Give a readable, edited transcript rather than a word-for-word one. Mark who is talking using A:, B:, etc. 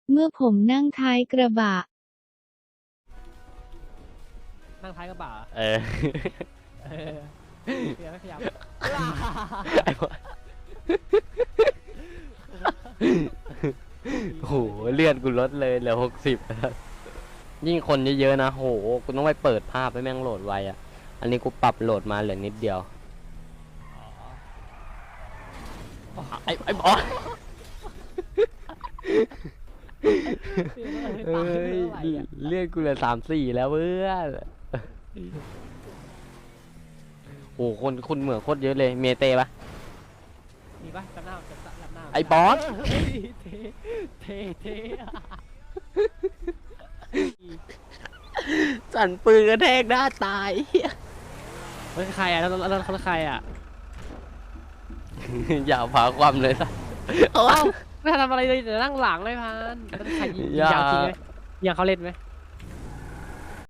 A: เมื่อผมนั่งท้ายกระบะ
B: นั่งท้ายกระบะ
C: เออ
B: เออเดี๋ยวไม่ขยับ
C: ไอ้บอสโหเลื่อนกูลดเลยเหลือ60แล้วยิ่งคนเยอะๆนะโหกูต้องไปเปิดภาพให้แม่งโหลดไวอ่ะอันนี้กูปรับโหลดมาเหลือนิดเดียวไอ้บอสเอ้ยเลื่อนกูเหลือ34แล้วเพื่อนโอ้คนเหมือนโคตรเยอะเลยเมเต้ปะ
B: มีปะจำหน้าจำหน้า
C: ไอ้บอส
B: เท
C: สั่นปืนกระแทกหน้าตาย
B: เฮ้ยใครอ่ะแล้วเขาใครอ่ะ
C: อย่าพาความเลยสัส
B: เอ้าไม่ทำอะไรเลยแต่นั่งหลังเลยพันใครยิงยาวจริงไหมยิงเขาเล่นไหม